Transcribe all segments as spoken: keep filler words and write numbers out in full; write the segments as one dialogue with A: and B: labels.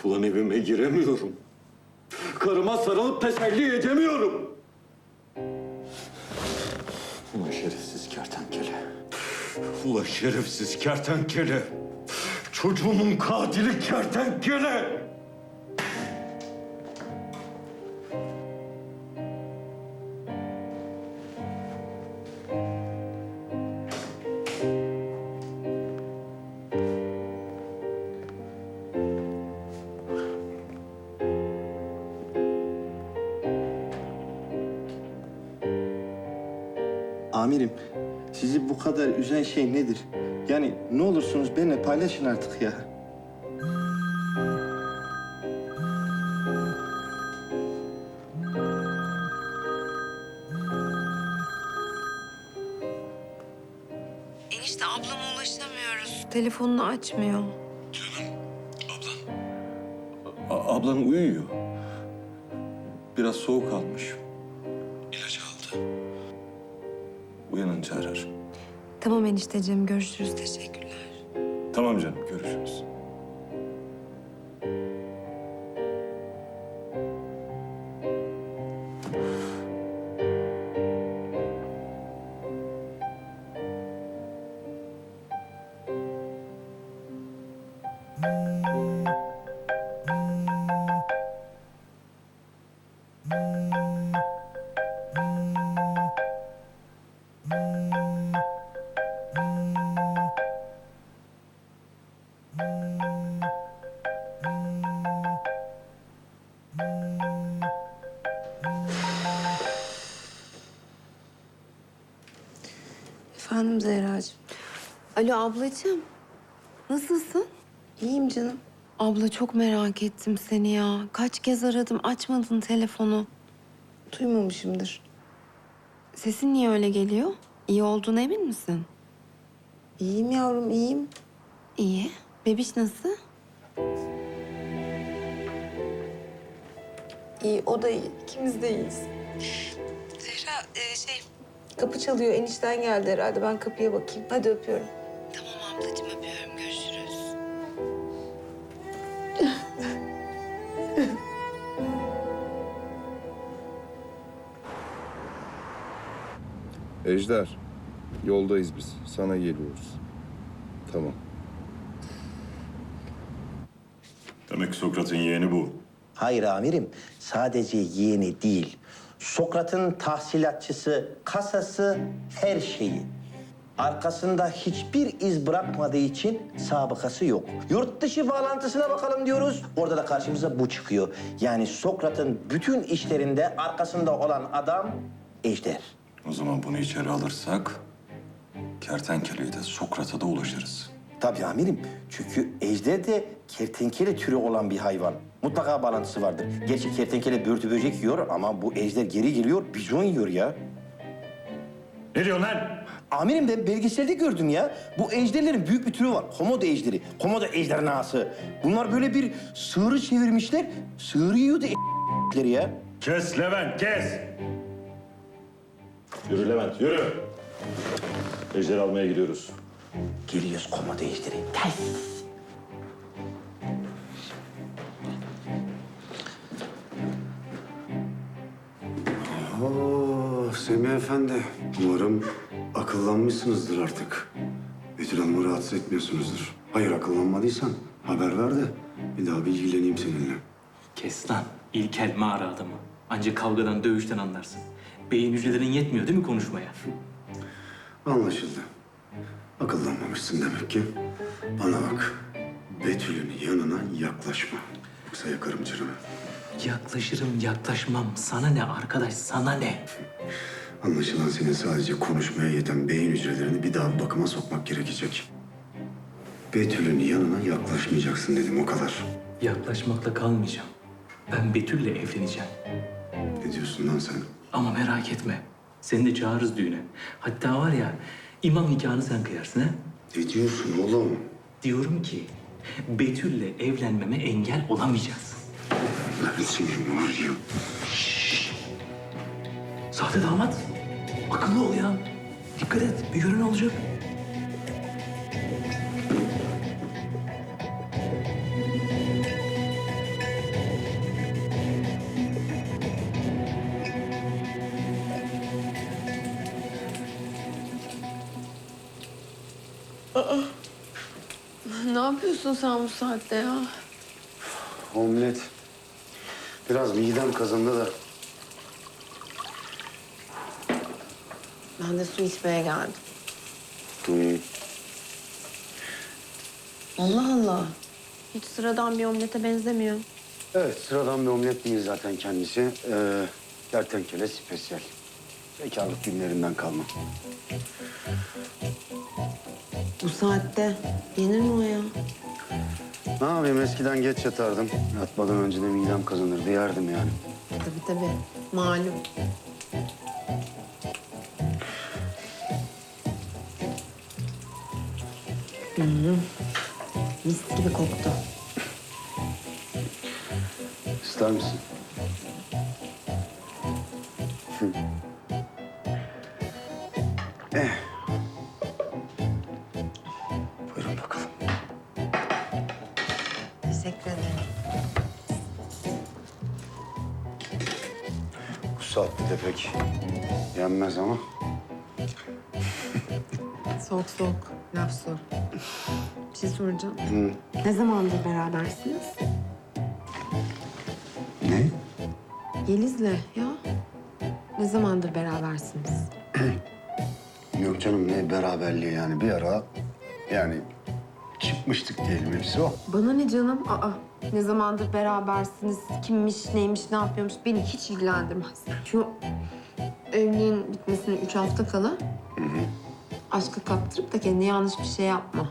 A: Ulan evime giremiyorum. Karıma sarılıp teselli edemiyorum. Ulan şerefsiz kertenkele. Ulan şerefsiz kertenkele. Çocuğumun katili kertenkele.
B: Amirim, sizi bu kadar üzen şey nedir? Yani ne olursunuz benimle paylaşın artık ya.
C: Enişte ablama ulaşamıyoruz. Telefonunu açmıyor.
A: A- ablan uyuyor. Biraz soğuk almış. İlaç aldı. Uyanınca arar.
C: Tamam enişteciğim, görüşürüz. Teşekkürler.
A: Tamam canım, görüşürüz.
C: Efendim Zehracığım. Alo ablacığım. Nasılsın? İyiyim canım. Abla çok merak ettim seni ya. Kaç kez aradım, açmadın telefonu. Duymamışımdır. Sesin niye öyle geliyor? İyi olduğuna emin misin?
D: İyiyim yavrum, iyiyim.
C: İyi. Bebiş nasıl?
D: İyi, o da iyi. İkimiz de iyiyiz.
C: Zehra, e, şey...
D: Kapı çalıyor, enişten geldi herhalde. Ben kapıya bakayım. Hadi öpüyorum.
C: Tamam ablacığım, öpüyorum. Görüşürüz.
E: Ejder, yoldayız biz. Sana geliyoruz. Tamam.
A: Demek Sokrat'ın yeğeni bu.
B: Hayır amirim, sadece yeğeni değil. Sokrat'ın tahsilatçısı, kasası, her şeyi. Arkasında hiçbir iz bırakmadığı için sabıkası yok. Yurt dışı bağlantısına bakalım diyoruz. Orada da karşımıza bu çıkıyor. Yani Sokrat'ın bütün işlerinde arkasında olan adam Ejder.
A: O zaman bunu içeri alırsak... ...kertenkeleyi de Sokrat'a da ulaşırız.
B: Tabii amirim. Çünkü ejder de kertenkele türü olan bir hayvan. Mutlaka bağlantısı vardır. Gerçi kertenkele börtü böcek yiyor ama bu ejder geri geliyor, bizon yiyor ya.
A: Ne diyorsun lan?
B: Amirim ben belgeselde gördüm ya. Bu ejderlerin büyük bir türü var. Komodo ejderi, komodo ejderhası. Bunlar böyle bir sığırı çevirmişler. Sığırı yiyordu e**leri ya.
A: Kes Levent, kes! Yürü Levent, yürü! Ejder almaya gidiyoruz.
B: Geliyoruz komodo ejderi. Gel.
F: Oo, Semih Efendi. Umarım akıllanmışsınızdır artık. Betül Hanım'ı rahatsız etmiyorsunuzdur. Hayır, akıllanmadıysan haber ver de bir daha bilgileneyim seninle.
G: Kes lan. İlkel mağara adamı. Ancak kavgadan, dövüşten anlarsın. Beyin hücrelerin yetmiyor değil mi konuşmaya?
F: Anlaşıldı. Akıllanmamışsın demek ki. Bana bak, Betül'ün yanına yaklaşma. Yoksa yakarım canımı.
G: Yaklaşırım, yaklaşmam. Sana ne arkadaş, sana ne?
F: Anlaşılan senin sadece konuşmaya yeten beyin hücrelerini bir daha bakıma sokmak gerekecek. Betül'ün yanına yaklaşmayacaksın dedim, o kadar.
G: Yaklaşmakla kalmayacağım. Ben Betül'le evleneceğim.
F: Ne diyorsun lan sen?
G: Ama merak etme. Seni de çağırırız düğüne. Hatta var ya, imam nikahını sen kıyarsın ha?
F: Ne diyorsun oğlum?
G: Diyorum ki, Betül'le evlenmeme engel olamayacaksın.
F: Ben senin var ya.
G: Sahte damat. Akıllı ol ya. Dikkat et. Bir gören olacak.
C: Ne yapıyorsun sen bu saatte ya?
F: Omlet. Biraz midem kazındı da.
C: Ben de su içmeye geldim.
F: Hmm.
C: Allah Allah. Hiç sıradan bir omlete benzemiyor.
F: Evet, sıradan bir omlet değil zaten kendisi. Ee, kertenkele spesiyel. Bekarlık günlerinden kalma.
C: Bu saatte yenir mi o ya?
F: Ne yapayım, eskiden geç yatardım. Yatmadan önce de midem kazanırdı, yerdim yani.
C: Tabii tabii. Malum. Hmm. Mis gibi koktu.
F: İster misin? Hı. Eh. Buyurun bakalım.
C: Teşekkür ederim.
F: Bu saatte de pek yenmez ama.
C: Soğuk soğuk. Laf sor. Bir şey soracağım.
F: Hı.
C: Ne zamandır berabersiniz?
F: Ne?
C: Yeliz'le ya. Ne zamandır berabersiniz?
F: Yok canım, ne beraberliği yani. Bir ara yani çıkmıştık diyelim, hepsi o.
C: Bana ne canım? Aa, ne zamandır berabersiniz? Kimmiş, neymiş, ne yapıyormuş? Beni hiç ilgilendirmez. Şu evliliğin bitmesine üç hafta kala aşkı kaptırıp da kendine yanlış bir şey yapma.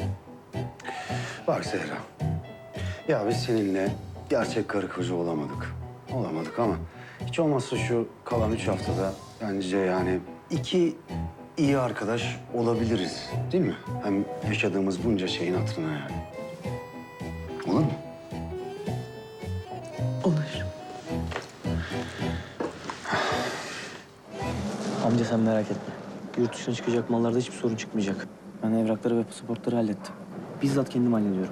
F: Bak Zehra. Ya biz seninle gerçek karı koca olamadık. Olamadık ama hiç olmazsa şu kalan üç haftada bence yani iki iyi arkadaş olabiliriz. Değil mi? Hem yaşadığımız bunca şeyin hatırına yani. Olur mu?
C: Olur.
H: Amca sen merak etme. Yurt dışına çıkacak mallarda hiçbir sorun çıkmayacak. Ben evrakları ve pasaportları hallettim. Bizzat kendim hallediyorum.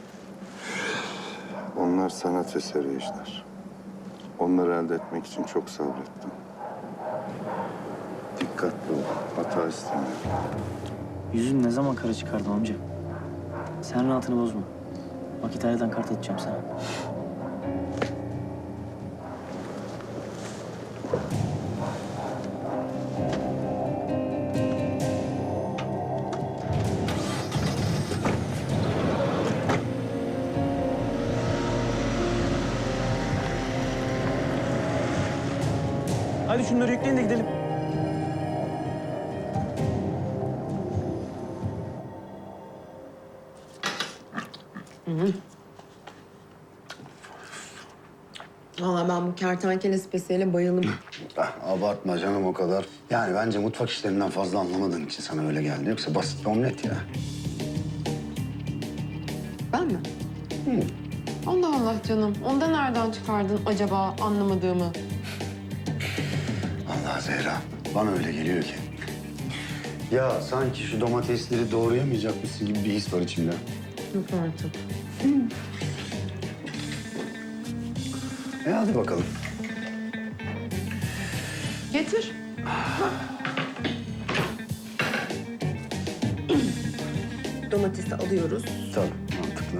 E: Onlar sanat eseri işler. Onları elde etmek için çok sabrettim. Dikkatli ol, hata istemiyorum.
H: Yüzün ne zaman kara çıkardım amca? Sen rahatını bozma. Bak İtalya'dan kart atacağım sana. Hadi şunları yükleyin de gidelim.
C: Vallahi ben bu kertenkele spesiyele bayıldım.
F: Ah, abartma canım o kadar. Yani bence mutfak işlerinden fazla anlamadığın için sana öyle geldi. Yoksa basit bir omlet ya.
C: Ben mi? Allah Allah canım. Onda nereden çıkardın acaba anlamadığımı?
F: Allah Zehra, bana öyle geliyor ki. Ya sanki şu domatesleri doğrayamayacakmışsın gibi bir his var içimde.
C: Yok artık.
F: E hadi bakalım.
C: Getir. Domatesi alıyoruz.
F: Tabii, mantıklı.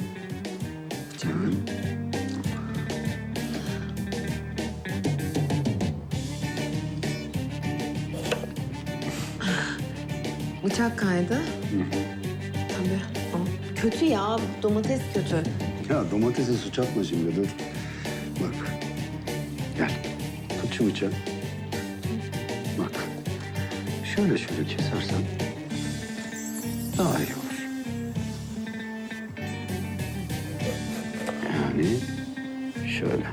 C: Bıçak kaydı. Tabii. Ama kötü ya. Domates kötü.
F: Ya domatese suç atma şimdi, dur. Bak, gel. Tut şu bıçağı. Bak, şöyle şöyle kesersen daha iyi olur. Yani şöyle.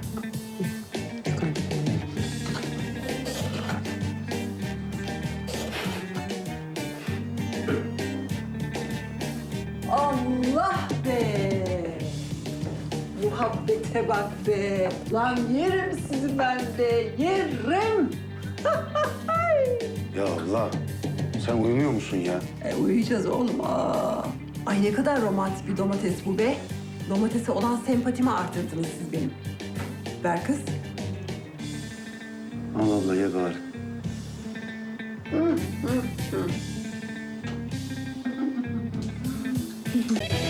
I: Allah be! Muhabbete bak be! Lan yerim sizi ben de, yerim!
F: Ya Allah, sen uyumuyor musun ya?
I: E, uyuyacağız oğlum. Aa. Ay ne kadar romantik bir domates bu be. Domatese olan sempatimi artırdınız siz benim. Ver kız.
F: Al abla, ye bari.
C: Hı hı.